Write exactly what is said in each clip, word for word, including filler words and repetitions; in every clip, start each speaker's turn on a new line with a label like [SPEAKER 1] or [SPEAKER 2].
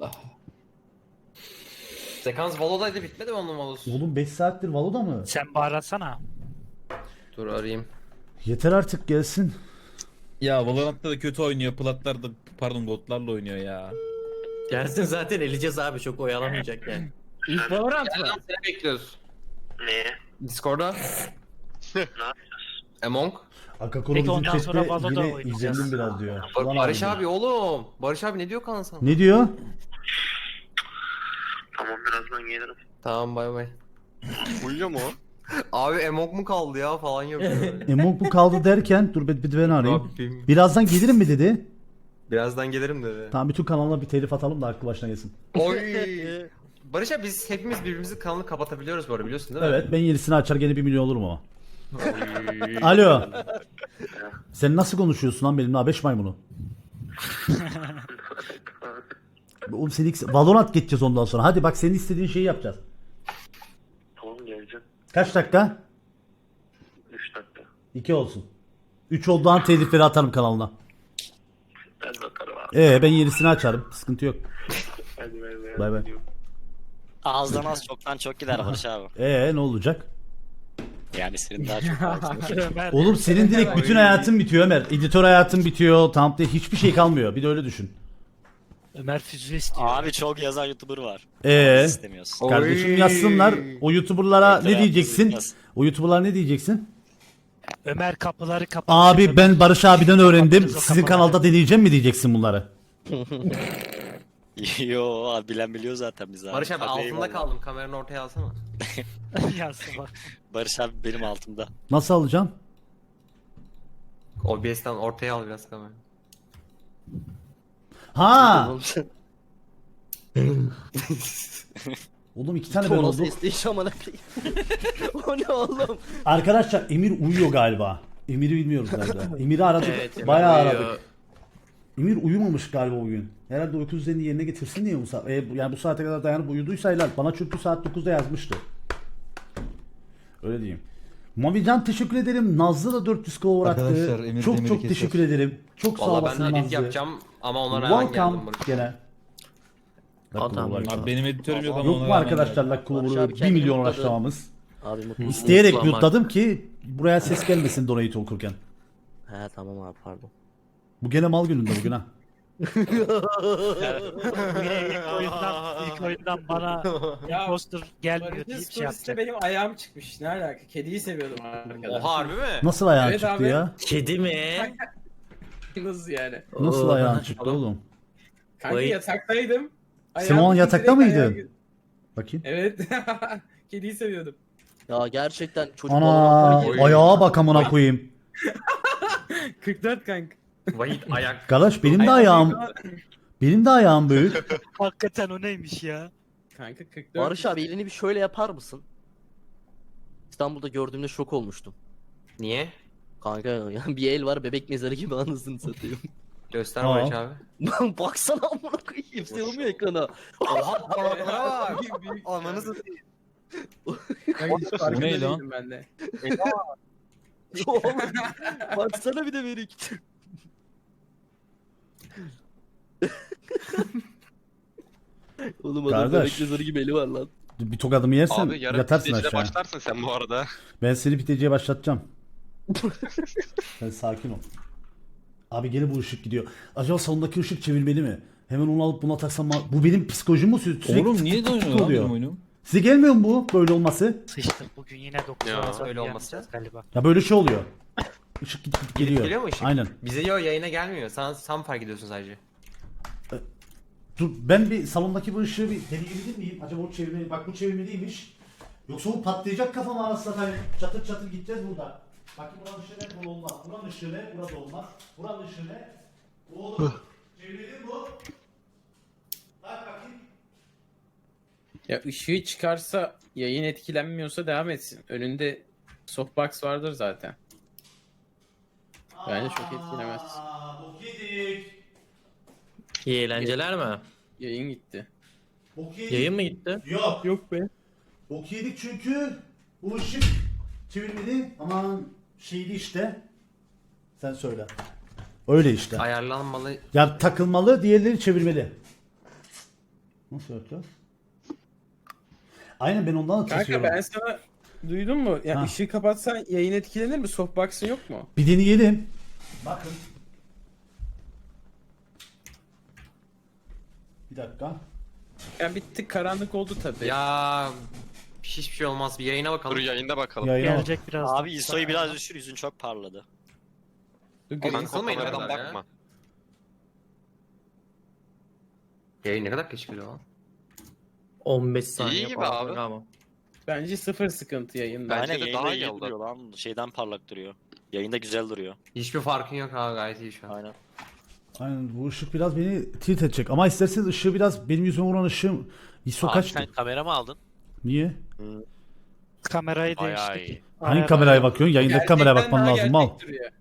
[SPEAKER 1] Allah. Sekans Valo'daydı, bitmedi mi onun Valo'su?
[SPEAKER 2] Oğlum beş saattir Valo'da mı?
[SPEAKER 3] Sen bağırsana.
[SPEAKER 1] Dur arayayım.
[SPEAKER 2] Yeter artık gelsin.
[SPEAKER 4] Ya Valorant'ta da kötü oynuyor. Platlar da pardon botlarla oynuyor ya.
[SPEAKER 5] Gelsin zaten eleyeceğiz abi, çok oyalamayacak yani.
[SPEAKER 6] İlk Valorant mı?
[SPEAKER 1] Nereden seni bekliyoruz?
[SPEAKER 7] Neye?
[SPEAKER 1] Discord'da.
[SPEAKER 7] Ne yapacağız?
[SPEAKER 1] Among.
[SPEAKER 2] Akakoro
[SPEAKER 3] Peki
[SPEAKER 2] bizim
[SPEAKER 3] ondan sonra
[SPEAKER 2] chatte
[SPEAKER 3] Valo'da
[SPEAKER 2] yine
[SPEAKER 3] oynayacağız.
[SPEAKER 2] izlendim biraz diyor.
[SPEAKER 1] Bar-
[SPEAKER 2] Ulan
[SPEAKER 1] Barış
[SPEAKER 2] abi.
[SPEAKER 1] abi oğlum. Barış abi ne diyor kanka sana?
[SPEAKER 2] Ne diyor?
[SPEAKER 7] Tamam birazdan gelirim.
[SPEAKER 1] Tamam bay bay.
[SPEAKER 7] Uyuyor mu o?
[SPEAKER 1] Abi Among mu kaldı ya falan yapıyor.
[SPEAKER 2] Emok bu kaldı derken dur bir, bir de ben arayayım.
[SPEAKER 1] Rabbim.
[SPEAKER 2] Birazdan gelirim mi dedi.
[SPEAKER 1] Birazdan gelirim dedi.
[SPEAKER 2] Tamam bütün kanalına bir telif atalım da aklı başına gelsin.
[SPEAKER 1] Oy. Barış abi biz hepimiz birbirimizin kanalını kapatabiliyoruz bu arada, biliyorsun değil mi?
[SPEAKER 2] Evet ben yenisini açar gene bir milyon olurum ama.
[SPEAKER 1] Oy.
[SPEAKER 2] Alo. Sen nasıl konuşuyorsun lan benimle abeş maymunu? Oğlum seni ilk- Valorant geçeceğiz ondan sonra. Hadi bak senin istediğin şeyi yapacağız.
[SPEAKER 7] Tamam geleceğim.
[SPEAKER 2] Kaç dakika?
[SPEAKER 7] üç dakika.
[SPEAKER 2] iki olsun. üç olduğu an telifleri atarım kanalına.
[SPEAKER 7] Ben bakarım abi.
[SPEAKER 2] Ee ben yenisini açarım. Sıkıntı yok.
[SPEAKER 7] Hadi bay bay.
[SPEAKER 2] Bay bay.
[SPEAKER 8] Ağızdan az çoktan çok gider Barış abi.
[SPEAKER 2] Ee ne olacak?
[SPEAKER 8] Yani senin daha çok ağzın.
[SPEAKER 3] Ömer.
[SPEAKER 2] Oğlum senin direkt bütün hayatın bitiyor Ömer. Editör hayatın bitiyor. Tam diye hiçbir şey kalmıyor. Bir de öyle düşün.
[SPEAKER 3] Ömer füze istiyor.
[SPEAKER 8] Abi çok yazan YouTuber var.
[SPEAKER 2] Ee
[SPEAKER 8] Biz istemiyoruz.
[SPEAKER 2] kardeşim
[SPEAKER 1] Oy.
[SPEAKER 2] yazsınlar. O YouTuber'lara
[SPEAKER 8] Editör
[SPEAKER 2] ne diyeceksin?
[SPEAKER 8] hayatımızı
[SPEAKER 2] O YouTuber'lara ne diyeceksin?
[SPEAKER 3] Ömer kapıları kapattı.
[SPEAKER 2] Abi ben Barış abiden öğrendim.
[SPEAKER 3] Kapatırız o
[SPEAKER 2] Sizin
[SPEAKER 3] kapıları.
[SPEAKER 2] kanalda deneyeceğim mi diyeceksin bunları?
[SPEAKER 8] Yo abi bilen biliyor zaten biz abi.
[SPEAKER 1] Barış abi
[SPEAKER 8] Hadi
[SPEAKER 1] altında
[SPEAKER 8] eyvallah.
[SPEAKER 1] kaldım, kameranı ortaya alsana.
[SPEAKER 3] Yansın bak.
[SPEAKER 8] Barış abi benim altımda.
[SPEAKER 2] Nasıl alacağım?
[SPEAKER 1] O B S'ten ortaya al biraz kamerayı.
[SPEAKER 2] Ha! Oğlum iki tane ben
[SPEAKER 5] Sonra
[SPEAKER 2] oldum.
[SPEAKER 5] sesli iş amına koyayım. O ne oğlum?
[SPEAKER 2] Arkadaşlar Emir uyuyor galiba. Emir'i bilmiyoruz nerede. Emir'i aradık.
[SPEAKER 1] Evet, Emir
[SPEAKER 2] bayağı
[SPEAKER 1] uyuyor.
[SPEAKER 2] aradık. Emir uyumamış galiba bugün. Herhalde uyku düzenini yerine getirsin diye bu saat. E, yani bu saate kadar dayanıp uyuduysa helal. Bana çünkü saat dokuzda yazmıştı. Öyle diyeyim. Mavican teşekkür ederim. Nazlı da dört yüz kova bıraktı.
[SPEAKER 9] Arkadaşlar, Emir
[SPEAKER 2] Çok
[SPEAKER 9] Demir'i
[SPEAKER 2] çok
[SPEAKER 9] keser.
[SPEAKER 2] teşekkür ederim. Çok sağ
[SPEAKER 1] Valla ben
[SPEAKER 2] olasın
[SPEAKER 1] de edit
[SPEAKER 2] Nazlı.
[SPEAKER 1] yapacağım ama ona rağmen geldim
[SPEAKER 2] Welcome
[SPEAKER 1] Barış.
[SPEAKER 2] gene.
[SPEAKER 5] Adam.
[SPEAKER 4] Abi benim editörüm yok ama
[SPEAKER 2] Yok
[SPEAKER 4] ona
[SPEAKER 2] mu
[SPEAKER 4] rağmen
[SPEAKER 2] arkadaşlar
[SPEAKER 4] geldim.
[SPEAKER 2] Luck
[SPEAKER 5] Barış
[SPEAKER 2] Clover'ı
[SPEAKER 5] abi
[SPEAKER 2] bir
[SPEAKER 5] kendini
[SPEAKER 2] milyon
[SPEAKER 5] mutladı.
[SPEAKER 2] uğraşlamamız.
[SPEAKER 5] Abi mutlu.
[SPEAKER 2] İsteyerek
[SPEAKER 5] mutlu ama-
[SPEAKER 2] mute'ladım ki buraya ses gelmesin donate okurken.
[SPEAKER 5] He tamam abi pardon.
[SPEAKER 2] Bu gene mal gününde bugün ha.
[SPEAKER 3] Yine ilk oyundan, ilk oyundan bana
[SPEAKER 6] Ya,
[SPEAKER 3] imposter gelmiyor
[SPEAKER 6] Barış'ın
[SPEAKER 3] deyip şey
[SPEAKER 6] storiesinde
[SPEAKER 3] yapacak.
[SPEAKER 6] benim ayağım çıkmış. Ne alaka? Kediyi seviyordum arkadaşlar.
[SPEAKER 1] Oha harbi mi?
[SPEAKER 2] Nasıl ayağın
[SPEAKER 6] Evet
[SPEAKER 2] çıktı
[SPEAKER 6] abi.
[SPEAKER 2] ya?
[SPEAKER 5] Kedi mi?
[SPEAKER 6] Nasıl yani?
[SPEAKER 2] Nasıl
[SPEAKER 5] Oo.
[SPEAKER 2] ayağın çıktı oğlum?
[SPEAKER 6] Kanka
[SPEAKER 5] Vay.
[SPEAKER 6] yataktaydım.
[SPEAKER 2] Sen o an
[SPEAKER 6] Ayağım
[SPEAKER 2] yatakta
[SPEAKER 6] direkt ayağa
[SPEAKER 2] mıydın?
[SPEAKER 6] gir-
[SPEAKER 2] Bakayım.
[SPEAKER 6] Evet. Kediyi seviyordum.
[SPEAKER 5] Ya gerçekten çocuk
[SPEAKER 2] Ana
[SPEAKER 5] Valorant'ta
[SPEAKER 1] Oy.
[SPEAKER 5] kedi-
[SPEAKER 2] ayağa bak amına koyayım.
[SPEAKER 6] kırk dört kanka.
[SPEAKER 1] Vahit ayak.
[SPEAKER 2] Kardeş benim de ayağım benim de ayağım büyük.
[SPEAKER 3] Hakikaten o neymiş ya?
[SPEAKER 6] Kanka kırk dört.
[SPEAKER 5] Barış abi elini bir şöyle yapar mısın? İstanbul'da gördüğümde şok olmuştum.
[SPEAKER 1] Niye?
[SPEAKER 5] Kanka ya bir el var bebek mezarı gibi anasını satayım.
[SPEAKER 1] Göster
[SPEAKER 2] Aa.
[SPEAKER 1] Barış abi.
[SPEAKER 5] Baksana amına koyayım sığmıyor ekrana.
[SPEAKER 1] Oha parmaklara bak.
[SPEAKER 6] Büyük- büyük
[SPEAKER 1] Ananı
[SPEAKER 6] ya.
[SPEAKER 1] satayım.
[SPEAKER 6] Kanka hiç farkında
[SPEAKER 4] ne lan?
[SPEAKER 6] değildim ben de.
[SPEAKER 5] Oğlum, baksana bir de Merik. Oğlum adam
[SPEAKER 2] Kardeş.
[SPEAKER 5] bebek mezarı gibi eli var lan.
[SPEAKER 2] Bir tokadımı yersen
[SPEAKER 7] Abi yarın
[SPEAKER 2] yatarsın
[SPEAKER 7] pidecide
[SPEAKER 2] aşağı.
[SPEAKER 7] başlarsın sen bu arada.
[SPEAKER 2] Ben seni piteciye başlatacağım. Sen sakin ol. Abi gene bu ışık gidiyor. Acaba salondaki ışık çevirmeli mi? Hemen onu alıp buna taksam mı? Bu benim psikolojim mi? Sürekli
[SPEAKER 4] Oğlum
[SPEAKER 2] tık
[SPEAKER 4] niye
[SPEAKER 2] tık tık
[SPEAKER 4] dönüyor lan
[SPEAKER 2] oluyor.
[SPEAKER 4] benim oyunum?
[SPEAKER 2] Size gelmiyor mu bu böyle olması?
[SPEAKER 3] Sıçtık bugün yine dokuz
[SPEAKER 1] Ya,
[SPEAKER 3] arası
[SPEAKER 1] öyle
[SPEAKER 3] yapacağız
[SPEAKER 1] olması.
[SPEAKER 3] galiba.
[SPEAKER 2] Ya böyle şey oluyor. Işık gidip gidip geliyor.
[SPEAKER 1] Geliyor mu ışık?
[SPEAKER 2] Aynen.
[SPEAKER 1] Bize yo yayına gelmiyor. Sen, sen fark ediyorsun sadece.
[SPEAKER 2] Dur ben bir salondaki bu ışığı bir deneyebilir miyim? Acaba o çevirmeli, bak bu çevirmeliymiş. Yoksa bu patlayacak kafama arasında tabii. Çatır çatır gideceğiz burada. Bakın buranın ışığı ne? Bu olmaz. Buranın ışığı ne? Burada olmaz. Buranın ışığı ne? Bu olur. Çevirmeli mi bu? Bak bakayım.
[SPEAKER 6] Ya ışığı çıkarsa yayın etkilenmiyorsa devam etsin. Önünde softbox vardır zaten. Bence çok etkilemez.
[SPEAKER 2] Aa, bok yedik.
[SPEAKER 5] İyi eğlenceler mi?
[SPEAKER 6] Yayın gitti.
[SPEAKER 2] Bok yedik.
[SPEAKER 5] Yayın mı gitti?
[SPEAKER 2] Yok.
[SPEAKER 6] Yok be.
[SPEAKER 2] Bok yedik çünkü bu ışık çevirmeli. Aman şeydi işte. Sen söyle. Öyle işte.
[SPEAKER 1] Ayarlanmalı.
[SPEAKER 2] Ya takılmalı, diğerleri çevirmeli. Nasıl yapacağız? Aynen ben ondan da
[SPEAKER 6] Kanka
[SPEAKER 2] kesiyorum.
[SPEAKER 6] ben sana duydun mu? Ya
[SPEAKER 2] Ha.
[SPEAKER 6] ışığı kapatsan yayın etkilenir mi? Softbox'ın yok mu?
[SPEAKER 2] Bir deneyelim. Bakın. Bir dakika.
[SPEAKER 6] Yani bir tık karanlık oldu tabii.
[SPEAKER 1] Ya hiçbir şey olmaz. Bir yayına bakalım.
[SPEAKER 7] Dur yayında bakalım.
[SPEAKER 2] Yayına bak.
[SPEAKER 3] Gelecek birazdan.
[SPEAKER 8] Abi ISO'yu biraz düşür, yüzün çok parladı.
[SPEAKER 6] Dur,
[SPEAKER 7] Kanka
[SPEAKER 6] göreyim.
[SPEAKER 1] Kanka,
[SPEAKER 7] kameradan
[SPEAKER 1] kameradan ya.
[SPEAKER 7] bakma.
[SPEAKER 1] Yayın ne kadar geç geliyor lan?
[SPEAKER 9] on beş saniye
[SPEAKER 7] İyi gibi
[SPEAKER 9] falan
[SPEAKER 7] abi.
[SPEAKER 9] böyle ama.
[SPEAKER 6] Bence sıfır sıkıntı yayında.
[SPEAKER 7] Bence
[SPEAKER 8] Aynen
[SPEAKER 7] de
[SPEAKER 8] yayında
[SPEAKER 7] daha iyi
[SPEAKER 8] iyi
[SPEAKER 7] oldu.
[SPEAKER 8] duruyor lan. Şeyden parlak duruyor. Yayında güzel duruyor.
[SPEAKER 1] Hiçbir farkın yok abi, gayet iyi şu an.
[SPEAKER 8] Aynen.
[SPEAKER 2] Aynen bu ışık biraz beni tilt edecek. Ama isterseniz ışığı biraz benim yüzüme vuran ışığım I S O
[SPEAKER 10] Abi
[SPEAKER 2] kaçtı?
[SPEAKER 10] sen kamera mı aldın?
[SPEAKER 2] Niye?
[SPEAKER 3] Kamerayı
[SPEAKER 10] Bayağı
[SPEAKER 3] değiştik.
[SPEAKER 10] iyi.
[SPEAKER 2] Hangi
[SPEAKER 3] Ayar-
[SPEAKER 2] kameraya bakıyorsun? Yayındaki kameraya
[SPEAKER 6] Gerçekten
[SPEAKER 2] bakman
[SPEAKER 6] daha
[SPEAKER 2] lazım mal.
[SPEAKER 6] gerçek duruyor.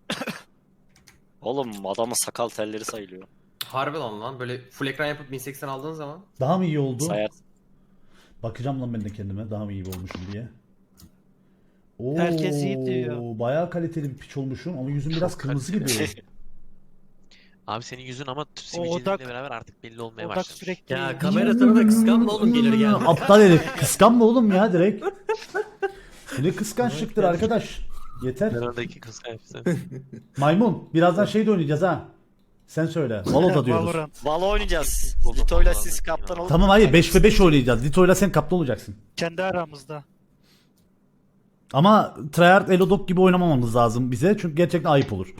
[SPEAKER 8] Oğlum adamın sakal telleri sayılıyor.
[SPEAKER 1] Harbi lan lan böyle full ekran yapıp bin seksen aldığın zaman.
[SPEAKER 2] Daha mı iyi oldu?
[SPEAKER 8] Sayar.
[SPEAKER 2] Bakacağım lan ben de kendime daha mı iyi olmuşum diye. Oo,
[SPEAKER 3] Herkes iyi diyor.
[SPEAKER 2] Bayağı kaliteli bir piç olmuşum ama yüzüm biraz kırmızı gibi.
[SPEAKER 10] Abi senin yüzün ama
[SPEAKER 3] odak-
[SPEAKER 10] sivilceleriyle beraber artık belli olmaya
[SPEAKER 3] Odak
[SPEAKER 10] başladı.
[SPEAKER 3] sürekli.
[SPEAKER 9] Ya kamera sana da kıskanma oğlum gelir gelmez.
[SPEAKER 2] Aptal herif. Kıskanma oğlum ya direkt. Ne kıskançlıktır arkadaş. Yeter.
[SPEAKER 10] Aradaki kıskançlığı.
[SPEAKER 2] Maymun. Birazdan şey de oynayacağız ha. Sen söyle. Valo'da diyoruz.
[SPEAKER 3] Valorant.
[SPEAKER 8] Valo oynayacağız.
[SPEAKER 10] Buldum,
[SPEAKER 8] Lito'yla
[SPEAKER 10] buldum.
[SPEAKER 8] siz kaptan olun.
[SPEAKER 2] Tamam hayır beş ve beş oynayacağız. Lito'yla sen kaptan olacaksın.
[SPEAKER 3] Kendi aramızda.
[SPEAKER 2] Ama Tryhard Elodok gibi oynamamamız lazım bize. Çünkü gerçekten ayıp olur.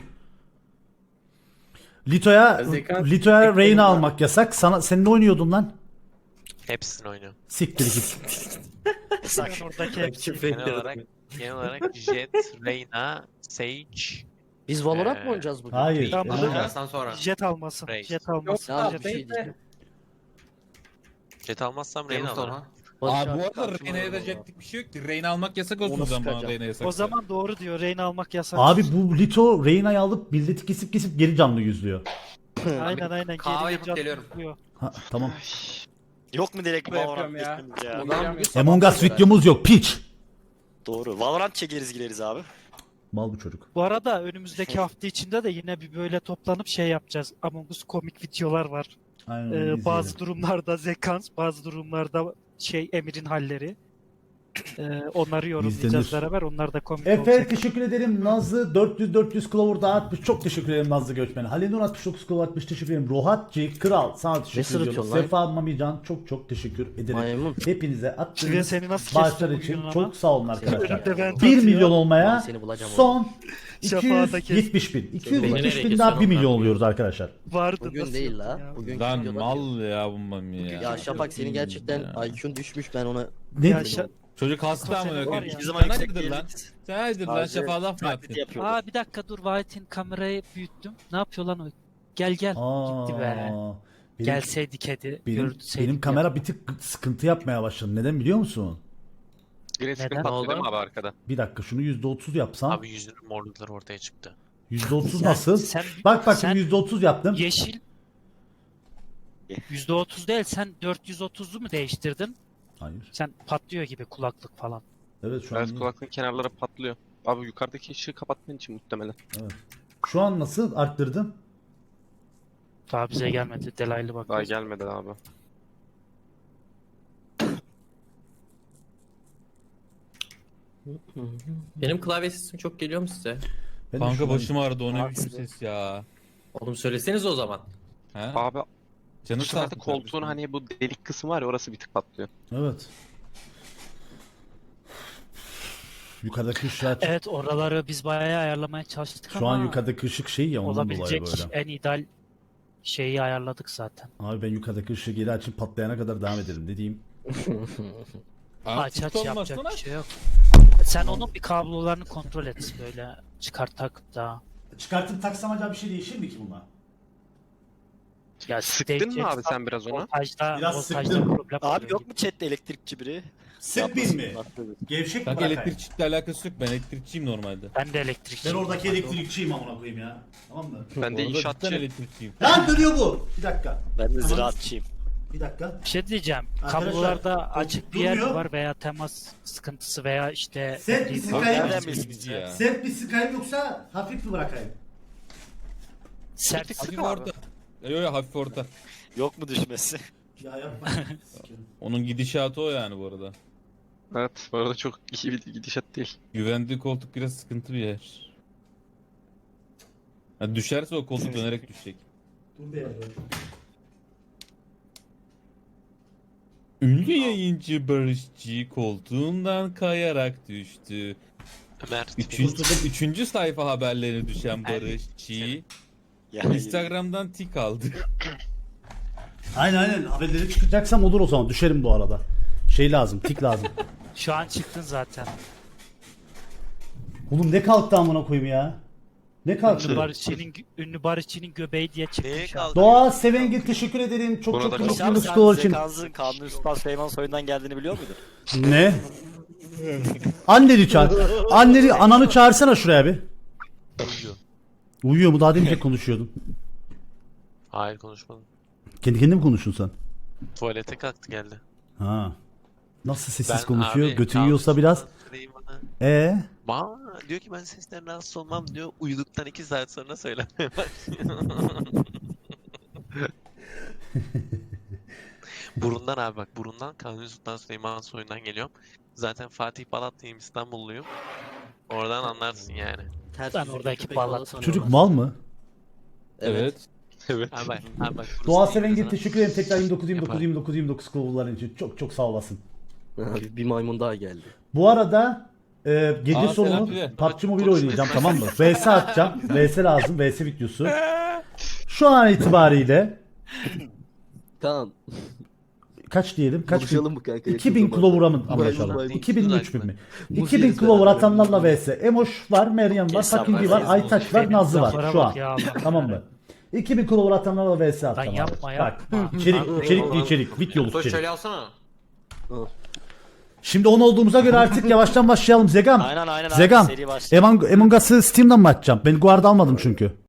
[SPEAKER 2] Lito'ya
[SPEAKER 6] Zekan-
[SPEAKER 2] Lito'ya
[SPEAKER 6] Zekan-
[SPEAKER 2] Reyna almak yasak. Sana sen ne oynuyordun lan?
[SPEAKER 10] Hepsini oynuyor.
[SPEAKER 2] Siktir git.
[SPEAKER 3] Sen oradaki hepsi.
[SPEAKER 9] Küfür
[SPEAKER 10] Genel
[SPEAKER 9] ediyorum.
[SPEAKER 10] olarak genel olarak Jet, Reyna, Sage,
[SPEAKER 5] Biz Valorant mı
[SPEAKER 10] Ee,
[SPEAKER 5] oynayacağız bugün?
[SPEAKER 2] Hayır.
[SPEAKER 3] Tamam,
[SPEAKER 2] Aa.
[SPEAKER 3] burada-
[SPEAKER 1] Dersten sonra.
[SPEAKER 3] Jet almasın.
[SPEAKER 10] Reis.
[SPEAKER 3] Jet almasın.
[SPEAKER 6] Yok,
[SPEAKER 5] Ya
[SPEAKER 3] Jet-
[SPEAKER 5] bir şey diyeceğim.
[SPEAKER 10] Jet almazsam Reyna
[SPEAKER 1] Temmuz
[SPEAKER 10] alırım.
[SPEAKER 1] sonra.
[SPEAKER 5] Barış
[SPEAKER 4] Abi bu
[SPEAKER 5] abi
[SPEAKER 4] arada
[SPEAKER 5] karşıma
[SPEAKER 4] Reyna'ya
[SPEAKER 5] alıyor
[SPEAKER 4] edecektik bir şey yok ki. Reyna almak yasak olsun
[SPEAKER 5] Onu
[SPEAKER 4] o zaman bana
[SPEAKER 5] sıkacağım.
[SPEAKER 4] Reyna yasak.
[SPEAKER 3] O zaman doğru diyor. Reyna almak yasak.
[SPEAKER 2] Abi bu Lito Reyna'yı alıp milleti kesip kesip geri canlı yüzlüyor.
[SPEAKER 3] Aynen aynen.
[SPEAKER 1] Kahve
[SPEAKER 3] Geri
[SPEAKER 1] yapıp
[SPEAKER 3] can
[SPEAKER 1] geliyorum.
[SPEAKER 3] tutuyor.
[SPEAKER 2] Ha, tamam.
[SPEAKER 8] Yok mu direkt
[SPEAKER 6] Ne yapıyorum
[SPEAKER 8] Valorant
[SPEAKER 6] ya?
[SPEAKER 8] geçmemiz ya?
[SPEAKER 6] Ulan bugün sabah
[SPEAKER 2] Among Us
[SPEAKER 6] kadar.
[SPEAKER 2] videomuz yok piç.
[SPEAKER 8] Doğru. Valorant çekeriz gideriz abi.
[SPEAKER 2] Mal bu çocuk.
[SPEAKER 3] Bu arada önümüzdeki hafta içinde de yine bir böyle toplanıp şey yapacağız. Among Us komik videolar var.
[SPEAKER 2] Aynen
[SPEAKER 3] Ee,
[SPEAKER 2] öyle
[SPEAKER 3] bazı
[SPEAKER 2] izleyelim.
[SPEAKER 3] durumlarda Zekans, bazı durumlarda şey Emir'in halleri. Ee, onları yorumlayacağız
[SPEAKER 2] İzlenir.
[SPEAKER 3] beraber. Onlar da komik
[SPEAKER 2] Efe
[SPEAKER 3] olacak.
[SPEAKER 2] teşekkür ederim. Nazlı dört yüz dört yüz Clover dağıtmış. Çok teşekkür ederim Nazlı Göçmen. Halil Nur altmış dokuz Clover atmış. Teşekkür ederim. Rohatçı Kral sana teşekkür ediyorum.
[SPEAKER 5] sırıtıyorsun lan?
[SPEAKER 2] Sefa Mamican çok çok teşekkür ederim.
[SPEAKER 5] Maymun.
[SPEAKER 2] Hepinize
[SPEAKER 3] Şuraya
[SPEAKER 2] attığınız
[SPEAKER 3] seni nasıl
[SPEAKER 2] bağışlar
[SPEAKER 3] kestim
[SPEAKER 2] için
[SPEAKER 3] bugün ama?
[SPEAKER 2] çok sağ olun arkadaşlar.
[SPEAKER 3] Önümde ben
[SPEAKER 2] bir
[SPEAKER 3] atıyor.
[SPEAKER 2] milyon olmaya
[SPEAKER 5] Ben seni bulacağım
[SPEAKER 2] son
[SPEAKER 3] Şafağı da
[SPEAKER 2] iki yüz yetmiş bin. iki yüz
[SPEAKER 5] Beni
[SPEAKER 2] yetmiş
[SPEAKER 5] nereye
[SPEAKER 2] bin daha bir
[SPEAKER 5] kesiyorsun
[SPEAKER 2] milyon
[SPEAKER 5] ondan?
[SPEAKER 2] oluyoruz arkadaşlar.
[SPEAKER 3] Vardı
[SPEAKER 5] Bugün
[SPEAKER 3] nasıl
[SPEAKER 5] değil
[SPEAKER 3] yok
[SPEAKER 5] la.
[SPEAKER 3] ya?
[SPEAKER 5] Bugün
[SPEAKER 4] Lan
[SPEAKER 5] videoda
[SPEAKER 4] mal ya bu mami ya.
[SPEAKER 5] Ya Şafak senin gerçekten
[SPEAKER 4] Ya.
[SPEAKER 5] I Q'un düşmüş ben ona.
[SPEAKER 2] Ne?
[SPEAKER 3] Ya şa-
[SPEAKER 4] Çocuk hasta
[SPEAKER 3] Senin
[SPEAKER 4] amına
[SPEAKER 3] var
[SPEAKER 4] koyayım.
[SPEAKER 3] ya.
[SPEAKER 8] Hiçbir
[SPEAKER 4] Sen
[SPEAKER 8] zaman yüksek
[SPEAKER 4] hayırdır lan?
[SPEAKER 8] değiliz.
[SPEAKER 4] Sen hayırdır lan
[SPEAKER 8] Sadece
[SPEAKER 4] şafağı laf mı
[SPEAKER 8] taklit
[SPEAKER 4] attın?
[SPEAKER 8] yapıyoruz.
[SPEAKER 3] Aa bir dakika dur White'in kamerayı büyüttüm. Ne yapıyor lan o? Gel gel. Gitti be.
[SPEAKER 2] Aa, benim,
[SPEAKER 3] Gelseydi kedi.
[SPEAKER 2] benim,
[SPEAKER 3] görseydik
[SPEAKER 2] benim
[SPEAKER 3] ya.
[SPEAKER 2] kamera bir tık sıkıntı yapmaya başladı. Neden biliyor musun?
[SPEAKER 7] Green screen
[SPEAKER 3] Neden?
[SPEAKER 7] patlıyor değil mi
[SPEAKER 9] Oldu.
[SPEAKER 7] abi arkada?
[SPEAKER 2] Bir dakika şunu yüzde otuz yapsam.
[SPEAKER 10] Abi yüzünün morlukları ortaya çıktı.
[SPEAKER 2] yüzde otuz
[SPEAKER 3] Sen-
[SPEAKER 2] nasıl?
[SPEAKER 3] Sen,
[SPEAKER 2] Bak bak
[SPEAKER 3] sen
[SPEAKER 2] şimdi yüzde otuz yaptım.
[SPEAKER 3] yeşil yüzde otuz değil sen dört yüz otuzlu mu değiştirdin?
[SPEAKER 2] Hayır.
[SPEAKER 3] Sen patlıyor gibi kulaklık falan.
[SPEAKER 2] Evet şu an.
[SPEAKER 7] Evet kulaklığın kenarları patlıyor. Abi yukarıdaki ışığı kapatman için muhtemelen.
[SPEAKER 2] Şu an nasıl arttırdım?
[SPEAKER 3] Daha bize gelmedi. Delaylı bak.
[SPEAKER 7] Daha gelmedi abi.
[SPEAKER 9] Benim klavye sesim çok geliyor mu size?
[SPEAKER 2] Ben de
[SPEAKER 4] Kanka
[SPEAKER 2] şuradan-
[SPEAKER 4] başım ağrıdı o ne
[SPEAKER 3] Abi
[SPEAKER 4] biçim
[SPEAKER 3] size-
[SPEAKER 4] ses ya.
[SPEAKER 9] Oğlum söyleseniz o zaman.
[SPEAKER 4] He?
[SPEAKER 7] Abi
[SPEAKER 4] Canı
[SPEAKER 7] bu
[SPEAKER 4] sağ
[SPEAKER 7] sefer de
[SPEAKER 4] olsun
[SPEAKER 7] koltuğun
[SPEAKER 4] kardeşim.
[SPEAKER 7] hani bu delik kısmı var ya orası bir tık patlıyor.
[SPEAKER 2] Evet. Yukarıdaki ışığı aç.
[SPEAKER 3] Evet oraları biz bayağı ayarlamaya çalıştık
[SPEAKER 2] Şu
[SPEAKER 3] ama
[SPEAKER 2] an yukarıdaki ışık şey ya ondan dolayı
[SPEAKER 3] olabilecek
[SPEAKER 2] böyle.
[SPEAKER 3] en ideal şeyi ayarladık zaten.
[SPEAKER 2] Abi ben yukarıdaki ışığı geri açıp patlayana kadar devam ederim dediğim.
[SPEAKER 4] Abi
[SPEAKER 3] Aç aç
[SPEAKER 4] tut
[SPEAKER 3] yapacak
[SPEAKER 4] olmasın
[SPEAKER 3] bir
[SPEAKER 4] aç.
[SPEAKER 3] şey yok. Sen onun bir kablolarını kontrol et böyle çıkart tak da.
[SPEAKER 2] Çıkartıp taksam acaba bir şey değişir mi ki buna?
[SPEAKER 3] Ya
[SPEAKER 7] Sıktın mı abi sen biraz ona?
[SPEAKER 3] Voltajda,
[SPEAKER 2] Biraz
[SPEAKER 3] voltajda
[SPEAKER 2] sıktım.
[SPEAKER 3] problem
[SPEAKER 8] Abi
[SPEAKER 3] oluyor
[SPEAKER 8] yok
[SPEAKER 3] gibi.
[SPEAKER 8] mu chatte elektrikçi biri?
[SPEAKER 2] Sıkmayayım mı?
[SPEAKER 8] Yapmasın.
[SPEAKER 2] Gevşek mi
[SPEAKER 4] Kanka
[SPEAKER 2] bırakayım?
[SPEAKER 4] elektrikçilikle alakası yok ben elektrikçiyim normalde.
[SPEAKER 3] Ben de elektrikçi.
[SPEAKER 2] Ben oradaki elektrikçiyim amına koyayım ya. Tamam mı?
[SPEAKER 7] Ben de
[SPEAKER 4] Orada
[SPEAKER 7] inşaatçı.
[SPEAKER 4] cidden elektrikçiyim.
[SPEAKER 2] Lan dönüyor bu. Bir dakika.
[SPEAKER 8] Ben de
[SPEAKER 2] Tamam.
[SPEAKER 8] ziraatçıyım.
[SPEAKER 2] Bir dakika.
[SPEAKER 3] Bir şey diyeceğim.
[SPEAKER 2] Arkadaşlar,
[SPEAKER 3] Kablolarda açık bir yer
[SPEAKER 2] durmuyor.
[SPEAKER 3] mi var veya temas sıkıntısı veya işte
[SPEAKER 2] Sert bir
[SPEAKER 3] bir-
[SPEAKER 2] sıkayım.
[SPEAKER 8] Nereden bilsin
[SPEAKER 4] Bizi
[SPEAKER 8] ya?
[SPEAKER 4] ya.
[SPEAKER 2] Sert bir sıkayım yoksa hafif mi bırakayım?
[SPEAKER 3] sert
[SPEAKER 4] Hafif orta. Yok yok hafif orta.
[SPEAKER 8] Yok mu düşmesi?
[SPEAKER 2] Ya yapma.
[SPEAKER 4] Onun gidişatı o yani bu arada.
[SPEAKER 7] Evet bu arada çok iyi bir gidişat değil.
[SPEAKER 4] Güvendiği koltuk biraz sıkıntı bir yer. Ha, düşerse o koltuk dönerek düşecek.
[SPEAKER 2] Dur be ya.
[SPEAKER 4] Ünlü yayıncı Barışçı koltuğundan kayarak düştü.
[SPEAKER 10] Ömer.
[SPEAKER 4] Üçüncü, üçüncü sayfa haberlerine düşen Barışçı
[SPEAKER 8] Yani
[SPEAKER 4] Instagram'dan tik aldı.
[SPEAKER 2] Aynen aynen. Haberleri çıkacaksam olur o zaman. Düşerim bu arada. Şey lazım. Tik lazım.
[SPEAKER 3] Şu an çıktın zaten.
[SPEAKER 2] Oğlum ne kalktı amına koyayım ya? Ne
[SPEAKER 3] Ünlü
[SPEAKER 2] kalktı?
[SPEAKER 3] Barışçı'nın ünlü Barışçı'nın göbeği diye çıktı
[SPEAKER 8] Neye
[SPEAKER 3] şu an.
[SPEAKER 8] kaldı?
[SPEAKER 2] Doğa Sevengil teşekkür ederim. Çok
[SPEAKER 7] Buna
[SPEAKER 2] çok
[SPEAKER 7] da
[SPEAKER 2] teşekkür
[SPEAKER 7] çok-
[SPEAKER 2] ederim
[SPEAKER 8] Sen
[SPEAKER 2] Skol için.
[SPEAKER 8] Zekansız'ın Kanuni Sultan Süleyman soyundan geldiğini biliyor muydun?
[SPEAKER 2] Ne? Anneni çağır. Anneni, ananı çağırsana şuraya bir.
[SPEAKER 10] Uyuyor.
[SPEAKER 2] Uyuyor mu? Daha demin de konuşuyordun.
[SPEAKER 10] Hayır konuşmadım.
[SPEAKER 2] Kendi kendine mi konuştun sen?
[SPEAKER 10] Tuvalete kalktı geldi.
[SPEAKER 2] Ha. Nasıl sessiz
[SPEAKER 10] Ben
[SPEAKER 2] konuşuyor?
[SPEAKER 10] abi,
[SPEAKER 2] Götü yiyorsa biraz.
[SPEAKER 10] Süleyman'a-
[SPEAKER 2] Ee?
[SPEAKER 10] Ba diyor ki ben sesten rahatsız olmam diyor. Uyuduktan iki saat sonra söylemeye başlıyor. Burundan abi bak burundan Kanuni Sultan Süleyman soyundan geliyorum. Zaten Fatih Balatlıyım İstanbulluyum. Oradan anlarsın yani.
[SPEAKER 3] Ben oradaki bağlat.
[SPEAKER 2] Çocuk mal mı?
[SPEAKER 4] Evet.
[SPEAKER 7] Evet.
[SPEAKER 10] Abi bak, abi bak burası
[SPEAKER 2] Doğa
[SPEAKER 10] değil
[SPEAKER 2] Sevengil
[SPEAKER 10] sana.
[SPEAKER 2] teşekkür ederim. Tekrar yirmi dokuz yirmi dokuz
[SPEAKER 10] Yapar.
[SPEAKER 2] yirmi dokuz yirmi dokuz kovulların için. Çok çok sağ olasın.
[SPEAKER 5] Abi bir maymun daha geldi.
[SPEAKER 2] Bu arada e, gece
[SPEAKER 4] Aa,
[SPEAKER 2] sonu
[SPEAKER 4] selam Pide.
[SPEAKER 2] P U B G Mobile oynayacağım, tamam mı? V S atacağım. V S lazım. V S videosu. Şu an itibariyle
[SPEAKER 5] Kaan
[SPEAKER 2] kaç diyelim? Kaç bin?
[SPEAKER 5] buluşalım mı kanka?
[SPEAKER 2] iki bin Clover'a mı anlaşalım?
[SPEAKER 5] maymun.
[SPEAKER 2] iki bin mi üç bin mi?
[SPEAKER 5] Muz
[SPEAKER 2] iki bin
[SPEAKER 5] yeriz
[SPEAKER 2] Clover
[SPEAKER 5] beraber.
[SPEAKER 2] atanlarla V S. Emoş var, Meryem var,
[SPEAKER 8] Hesap
[SPEAKER 2] Fucking
[SPEAKER 8] var,
[SPEAKER 2] var, Aytaç var,
[SPEAKER 3] Benim
[SPEAKER 2] Nazlı var
[SPEAKER 3] laflara
[SPEAKER 2] şu an.
[SPEAKER 3] bak ya Allah.
[SPEAKER 2] Tamam mı? iki bin Clover atanlarla V S
[SPEAKER 3] Lan
[SPEAKER 2] atacağım.
[SPEAKER 3] yapma
[SPEAKER 2] abi.
[SPEAKER 3] yapma.
[SPEAKER 2] Bak, içerik, içerikli içerik, videoluk
[SPEAKER 1] Toş
[SPEAKER 2] içerik.
[SPEAKER 1] şöyle alsana.
[SPEAKER 2] Şimdi on olduğumuza göre artık yavaştan başlayalım Zegam.
[SPEAKER 8] Aynen aynen abi
[SPEAKER 2] Zegam,
[SPEAKER 8] seri başlıyor.
[SPEAKER 2] Among, Among Us'ı Steam'den mi açacağım? Ben Guard almadım çünkü.